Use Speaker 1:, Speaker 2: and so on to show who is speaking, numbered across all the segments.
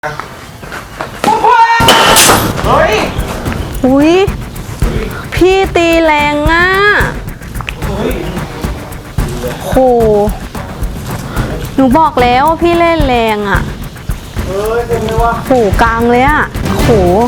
Speaker 1: เฮ้ยอุ้ยพี่ตีแรงอ่ะโหหนูบอกแล้วพี่เล่นแรงอ่ะเต็มเลยว่ะโหกลางเลยอ่ะโห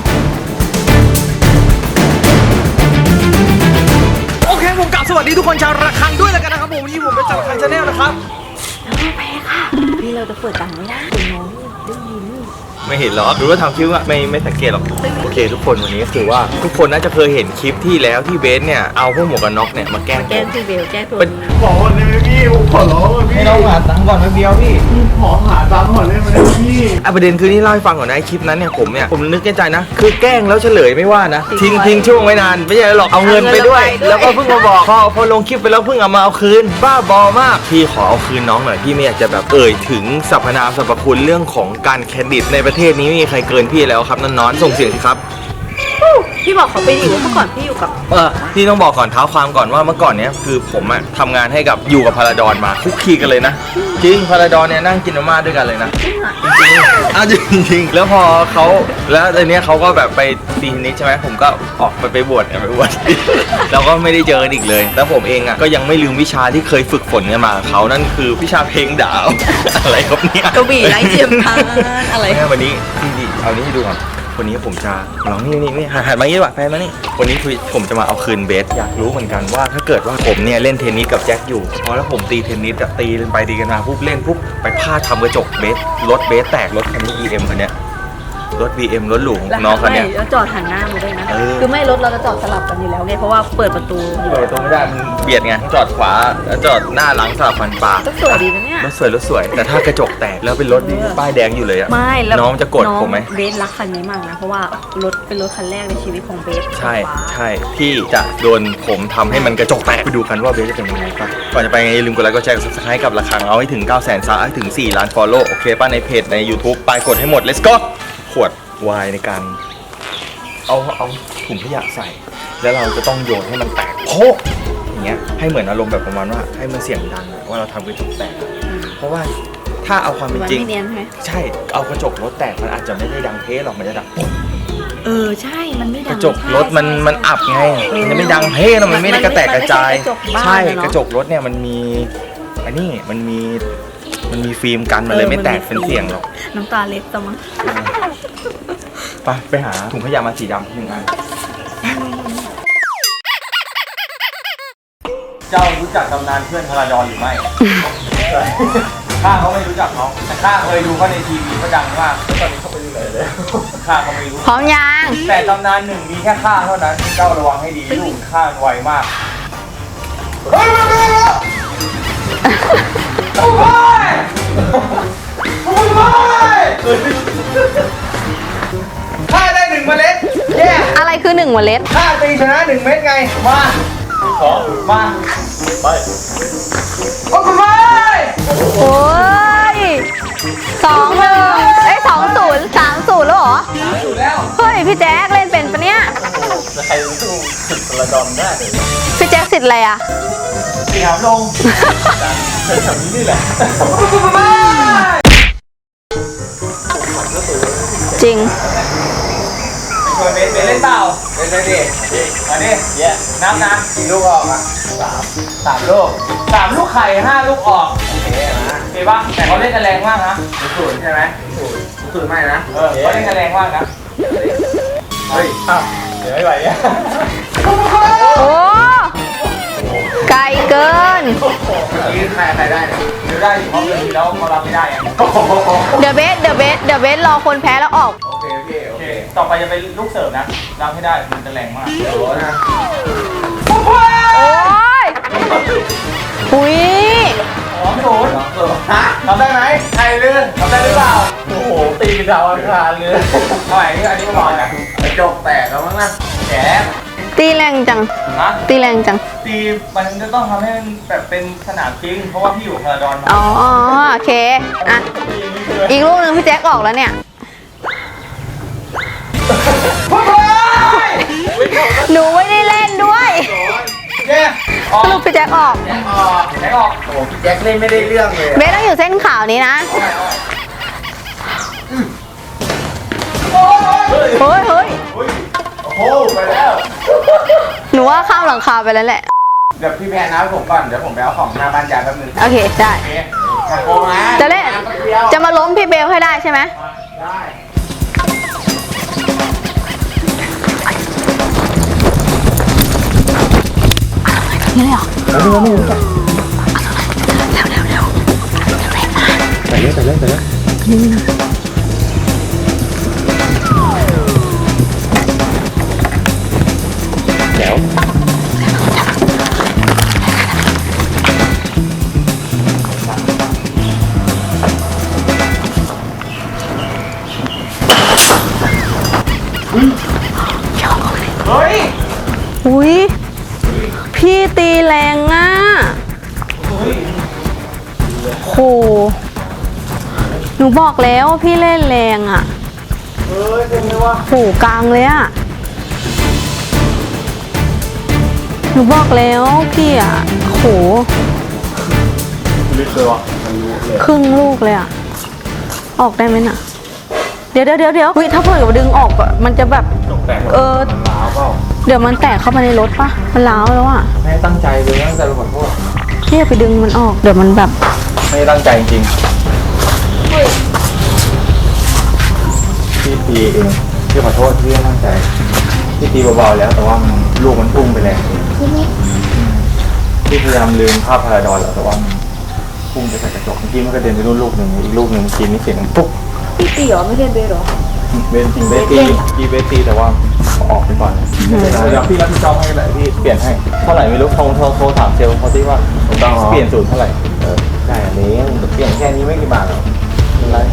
Speaker 2: โอเคผมกลับสวัสดีทุกคนชาวระฆังด้วยแล้วกันนะครับผมวันนี้ผมเป็นจากระฆังชาแนลนะครับ
Speaker 1: แพ้ค่ะพี่เราจะเปิดตังไม่ได้คุณน้องได้ยิน
Speaker 2: ไม่เห็นหรอรู้ว่าทำคลิปอะไม่สังเกตหรอกโอเคทุกคนวันนี้คือว่าทุกคนน่าจะเคยเห็นคลิปที่แล้วที่เบสเนี่ยเอาพวกหมวกกันน็อกเนี่ยมาแกล้ง
Speaker 1: พี่เบลแก้ตัว
Speaker 3: ขอก่อนเลยพี่ผมขอร้องเลยพี่
Speaker 2: ให้น้องหาตังค์ก่อนแป๊บเดียวพี่
Speaker 3: ขอหาตังค์ก่อนเลยมันเลยพี่
Speaker 2: ประเด็นคือนี่เล่าให้ฟังก่อนนะคลิปนั้นเนี่ยผมนึกในใจนะคือแกล้งแล้วเฉลยไม่ว่านะทิ้งช่วงไว้นานไม่ใช่หรอกเอาเงินไปด้วยแล้วก็เพิ่งมาบอกพอลงคลิปไปแล้วเพิ่งเอามาเอาคืนบ้าบอมากพี่ขอเอาคืนน้องหน่อยพี่ไม่อยากจะแบบถึงสรรพนามสรรพคุณเรื่องของการเครดิตในประเทศนี้ไม่มีใครเกินพี่แล้วครับน้องๆส่งเสียงสิครับ
Speaker 1: พี่บอกเขาไปอยู่เมื่อก่อนพี่อยู่กับ
Speaker 2: พี่ต้องบอกก่อนเท้าความก่อนว่าเมื่อก่อนเนี้ยคือผมอะทำงานให้กับอยู่กับพาราดอนมาคุกคีกันเลยนะจริงพาราดอนเนี่ยนั่งกินมาม่าด้วยกันเลยนะจริงแล้วพอเขาแล้วตอนนี้เขาก็แบบไปตีเทนนิสใช่ไหมผมก็ออกไปบวชแล้วก็ไม่ได้เจอกันอีกเลยแล้วผมเองอะก็ยังไม่ลืมวิชาที่เคยฝึกฝนกันมาเขานั่นคือวิชาเพลงดาวอะไรครับเนี่ย
Speaker 1: กระบี่ไร้เทียมทานอะไร
Speaker 2: วันนี้พี่เอานี้ให้ดูก่อนวันนี้ผมจะลองนี่หันมางี้ดีกว่าแฟนมานี่วันนี้ผมจะมาเอาคืนเบสอยากรู้เหมือนกันว่าถ้าเกิดว่าผมเนี่ยเล่นเทนนิสกับแจ็คอยู่พอแล้วผมตีเทนนิสตีกันไปตีกันมาปุ๊บเล่นปุ๊บไปพลาดทำกระจกเบสรถเบสแตกรถคันนี้ EM คันเนี้ยรถ BM รถหรูของน้องคันเนี้ย
Speaker 1: แล้วจอดหันหน้ามาด้วยนะคือไม่รถเราจะจอดสลับกันอยู่แล้วไงเพราะว่าเปิดประตู
Speaker 2: ไม่ได้มันเบียดไงจอดขวาแล้วจอดหน้าหลังสลับฟันปลาร
Speaker 1: ถสวยดีนะเนี่ย
Speaker 2: รถสวยแต่ถ้ากระจกแตกแล้วเป็นรถป้ายแดงอยู่เลยอะ
Speaker 1: ไม่
Speaker 2: น้องจะโกรธผมไหม
Speaker 1: เบสรักคันนี้มากนะเพราะว่ารถเป็นรถคันแรกในชีวิตของเบส
Speaker 2: ใช่พี่จะโดนผมทำให้มันกระจกแตกไปดูกันว่าเบสจะเป็นยังไงครับก่อนจะไปอย่าลืมกดไลค์กดแชร์กด Subscribe กับระฆังเอาให้ถึง 900,000 ซับให้ถึง 4 ล้าน follow โอเคป่ะในเพจใน YouTube ไปกดให้หมด let's go ขวดวายในการเอาถุงขยะใส่แล้วเราจะต้องโยนให้มันแตกโป๊ะอย่างเงี้ยให้เหมือนอารมณ์แบบประมาณว่าให้มันเสียงดังว่าเราทำกระจกแตกเพราะว่าถ้าเอาความเป็นจริงใช่เอากระจกรถแตกมันอาจจะไม่ได้ดังเพ้หรอกมันจะดังปุ๊บ
Speaker 1: ใช่มันไม่ดัง
Speaker 2: กระจกรถมันอับไงมันจะไม่ดังเพ้หรอกมันไม่ได้กระแตกกระจายใช่กระจกรถเนี่ยมันมีอันนี้มันมีฟิล์มกันมันเลยไม่แตกเป็นเสียงหรอก
Speaker 1: น้ำตาเล็ดตมั้ง
Speaker 2: ไปหาถุงขยะมาสีดำ1 อันเจ้ารู้จักตำนานเพื่อนพาราดอนหรือไม่ข้าเขาไม่รู้จักเขาแต่ข้าเคยดูเขาในทีวีเขาดังมากตอนนี้เขาไปดูไหนเลยข้าเขาไม่รู้
Speaker 1: พร้อมยัง
Speaker 2: แต่ตำนานหนึ่งมีแค่ข้าเท่านั้นเจ้าระวังให้ดีลูกข้าไวมากข้าได้1 เมล็ด
Speaker 1: อะไรคือ1 เมล็ด
Speaker 2: ข้าตีชนะ1 เม็ดไงมามาไปโอ้โห
Speaker 1: โอ้ย2-1 2-0 3-0แล้วเหรอ
Speaker 2: 3-0แล้ว
Speaker 1: เฮ้ยพี่แจ๊คเล่นเป็นปะเนี่ย
Speaker 2: ใครสู้สุดพาราดอนได้เลย
Speaker 1: พี่แจ๊คสิทธิ์อะไรอ่ะ
Speaker 2: สีหามลงแถวนี้นี่แหละ
Speaker 1: จริง
Speaker 2: เบสเล่นเปล่าเล่นเลยดิมาดินับนะกี่ลูกออกอ่ะ3 ลูก3 ลูกไข่5 ลูกออกโอเคนะโอเคป่ะแต่เขาเล่นกันแรงมากนะ0ใช่ไหม0ไม่นะเขาเล่นกันแรงมากนะเฮ้ยเดี๋ยวไม่ไหวเนี่ย
Speaker 1: โอ้ไกลเกิน
Speaker 2: นี่ใครได้เนี่ยได้อยู่เพราะเมื่อกี้แล้วเขารับไม่ได้
Speaker 1: เดี๋ยวเบสรอคนแพ้แล้วออก
Speaker 2: โอเคต่อไปจะเป็นลูกเสิร์ฟนะรับให้ได้มันจะแรงมากโอ้นะ
Speaker 1: โอ้ยอุ้ย
Speaker 2: 2-0ฮะทำได้ไหมใครลื่นทำได้หรือเปล่าโอ้โหตีดาวอังคารเลยทำไมอันนี้ก็ร้อนนะกระจกแตกแล้วมั้งนะแฉ
Speaker 1: ตีแรงจังตีแรงจัง
Speaker 2: ตีมันจะต้องทำให้มันแบบเป็นสนามจริงเพราะว่าพี่อยู่พาราดอนมา
Speaker 1: อ๋อโอเคอ่ะอีกลูกนึงพี่แจ็คออกแล้วเนี่ยหนูไม่ได้เล่นด้วยสรุปพี่แจ็คออก
Speaker 2: โอ้พี่แจ็คเล่นไม่ได้เรื่องเลย
Speaker 1: เบสต้องอยู่เส้นขาวนี้นะเฮ้ยเฮ้ย
Speaker 2: โอ้โหไปแล้ว
Speaker 1: หนูว่าข้ามหลังคาไปแล้วแหละ
Speaker 2: เดี๋ยวพี่แพนนะผมก่อนเดี๋ยวผมไปเอาของหน้าบ้านยายแป๊บนึง
Speaker 1: โอเคได้
Speaker 2: โอเคอย่าโกงนะ
Speaker 1: จะเล่นจะมาล้มพี่เบลให้ได้ใช่ไหม
Speaker 2: ได้
Speaker 1: นี่เลยเหรอ
Speaker 2: ไปเลยแจ๋ว เฮ้ย
Speaker 1: อุ้ยพี่ตีแรงอ่ะโหหนูบอกแล้วพี่เล่นแรงอ่ะ
Speaker 3: เฮ้ยเป็นไงวะ
Speaker 1: โหกลางเลยอ่ะหนูบอกแล้วพี่อ่ะโห
Speaker 3: ลึกเลยวะมันรู้เลย
Speaker 1: ครึ่งลูกเลยอ่ะออกได้ไหมน่ะเดี๋ยววิถ้าเผื่อดึงออกอะมันจะแบบ
Speaker 2: ตกแต่ง
Speaker 1: เออ
Speaker 2: ล้าวเปล่า
Speaker 1: เดี๋ยวมันแตกเข้ามาในรถปะมันร้าวแล้วอ่ะ
Speaker 2: ไม่ได้ตั้งใจเลยตั้งใจไปขอโทษ
Speaker 1: พี่อย่าไปดึงมันออกเดี๋ยวมันแบบ
Speaker 2: ไม่ได้ตั้งใจจริงพี่ตีเองพี่ขอโทษพี่ไม่ตั้งใจพี่ตีเบาๆแล้วแต่ว่ามันลูกมันพุ่งไปแล้วพี่พยายามลืมภาพพาราดอนแล้วแต่ว่ามันพุ่งไปใส่กระจกเมื่อกี้มันกระเด็นไปนู่นลูกหนึ่งอีกลูกหนึ่งเมื่อกี้นี่เสียงดังปุ๊บ
Speaker 4: พี่ตีเหรอไม่ใช่เบสเหรอ
Speaker 2: เบนจริงเบสตีกีเบสตีแต่ว่าออกไปก่อนเดี๋ยวพี่รับผิดชอบให้แหละพี่เปลี่ยนให้เท่าไหร่ไม่รู้โทรถามเซลล์เขาที่ว่าเปลี่ยนสูตรเท่าไหร่ได้อันนี้เปลี่ยนแค่นี้ไม่กี่บาทหรอกเป็นไร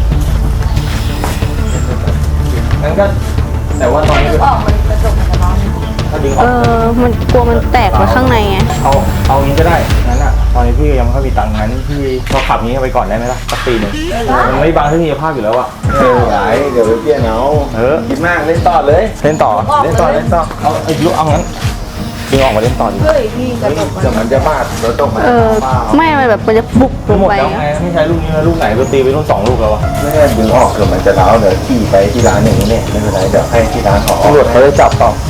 Speaker 2: งั้นก็แต่ว่าตอนนี้
Speaker 4: ออกมันกระจกมันจะร้อน
Speaker 2: ถ้าดึงอ
Speaker 1: เอ
Speaker 2: อก
Speaker 1: อมันกลัวมันแตกไปข้างในไง
Speaker 2: เอางี้ก็ได้งั้นอ่ะตอนนี้พี่ยังไม่ค่อยมีตังค์งั้นพี่ก็ขับนี้ไปก่อนได้ไหมล่ะสักปีหนึ่งมันไม่บังทัศนียภาพอยู่แล้วอ่ะ
Speaker 3: ไหนเดี๋ยวไปเปลี่ยนเอา
Speaker 2: คิดมากเล่นต่อเลยเล่นต่อเอาไอ้ลูกเอางั้นดึงออกมาเล่นต่อดี
Speaker 4: เฮ้ยพี่กระจกมัน
Speaker 3: เดี๋ยวมันจะบาดรถตกมา
Speaker 1: เออไม่มันแบบมันจะบุกลง
Speaker 2: หมด
Speaker 1: ไป
Speaker 2: แล้วไง
Speaker 1: อะ
Speaker 2: ไม่ใช้ลูกนี้แล้วลูกไหนก็ตีไปรุ่น2ลูกแล้วอะ
Speaker 3: ไม่ได้ดึงออกเดี๋ยวมันจะร้าวเดี๋ยวขี่ไปที่ร้านอย่างนี้เนี่ยไม่เป็นไรเดี๋ยวให้ที่ร้านเขา
Speaker 2: ตำรวจเขาจะจับต่อ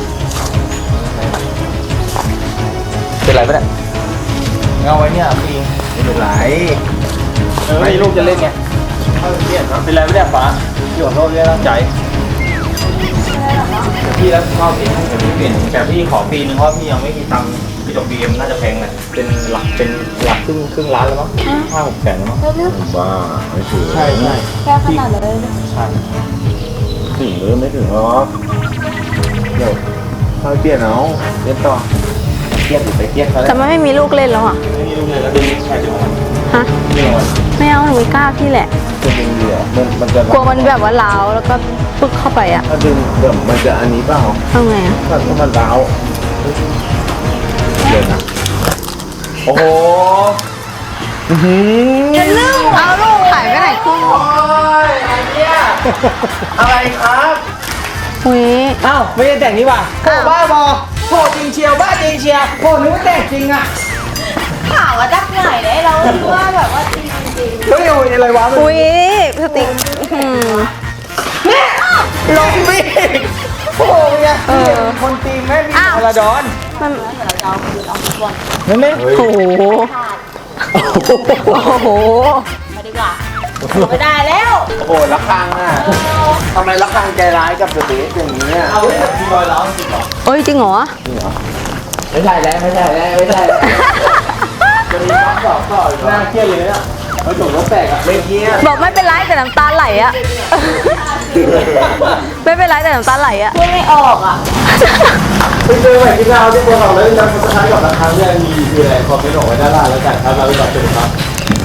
Speaker 2: เป็นไรปะเนี่ยเงาไว้เนี่ยพี่
Speaker 3: ไม่เป็นไร
Speaker 2: ไม่ลูกจะเล่นไงเป็นไรปะเนี่ยป๋าพี่ขอโทษด้วยตั้งใจพี่รับผิดชอบเองให้พี่เปลี่ยนแต่พี่ขอปีนึงเพราะพี่ยังไม่มีตังค์พี่ดอกบีเอ็มน่าจะแพงแหละเป็นหลักครึ่งล้านแล้วมั้ง5-6 แสนแล้วมั้ง
Speaker 3: บ้าไม่ถึง
Speaker 2: ใช่
Speaker 4: แค่ขนาดเลย
Speaker 2: ใช่
Speaker 3: ถึงหรือไม่ถึงหรอกเดี๋ยวค่อยเปลี่ยนเอาเล่นต่อเครียดอยู่ไปเครียดเขา
Speaker 1: แต่มันไม่มีลูกเล่นแล้วอ่ะ
Speaker 2: ไม่มีลูกเลยแล้วดึงแค่ดึงออกมา
Speaker 1: ฮะ
Speaker 2: ดึงออกมา
Speaker 1: ไม่เอาหนูไม่กล้าพี่แหละ
Speaker 3: จะดึงเดี๋ยวมันจะ
Speaker 1: กลัวมันแบบว่าร้าวแล้วก็ปึ๊กเข้าไปอ่ะ
Speaker 3: ถ้าดึงเดี๋ยวมันจะอันนี้เปล่า
Speaker 1: ทำไงอ่ะ
Speaker 3: ถ้ามันร้าวเดี๋ยวนะ
Speaker 2: โอ้โห
Speaker 1: เอาลูกหายไปไหนครึ่ง
Speaker 2: อะไรครับ
Speaker 1: อุ้ย
Speaker 2: อ้าวไม่ได้แต่งนี่ว่ะโอ้บ้าบอโหจริงเชียวบ้าจริงเชียวโหนึกว่าแต่งจริงอ่ะ
Speaker 4: ข่าวว่าจักไหนได้เราคิดว่าแบบว่าจริงจริง
Speaker 2: เฮ้ยโอ้ยอะไรวะมัน
Speaker 1: อุ้ยสติกอืม
Speaker 2: ลงพี่โอ้ยไง
Speaker 1: เออ
Speaker 2: คนตีแม่พี่
Speaker 1: อ้าว
Speaker 2: พาราดอน
Speaker 1: มัน
Speaker 4: เราคือเราทุกวัน
Speaker 2: นั่นไหม
Speaker 1: โอ้โห
Speaker 4: ขาด
Speaker 1: โอ้โห
Speaker 4: มาดีกว่าไม่ได้แล้ว
Speaker 3: โอ้โหละครังอ่ะทำไมละครังใจร้ายกับสเตย์อย่างนี้อ่ะ
Speaker 2: เอาเลยมีรอยร้าวจริงเหรอ
Speaker 1: เอ้ยจริงเหรอ
Speaker 3: ไม่ใช่แล้วไม่ใช่แล้วไม่ใช่แล้ว
Speaker 2: จะมีความสอบต่ออีกน่าเครียดเลยเนี่ยเขาจบรถแตกอ่ะ
Speaker 3: ไม่เกี้ย
Speaker 1: บอกไม่เป็นไรแต่น้ำตาไหลอะไม่เป็นไรแต่น้ำตาไหลอะ
Speaker 4: พูดไม่ออกอ่ะ
Speaker 2: ไปเจอใหม่ที่เราที่ตัวเราแล้วจะสุดท้ายกับราคาเนี่ยมีคืออะไรคอมเมนต์บอกไว้ด้านล่างแล้วกันครับเราไปตอบเป็นครับ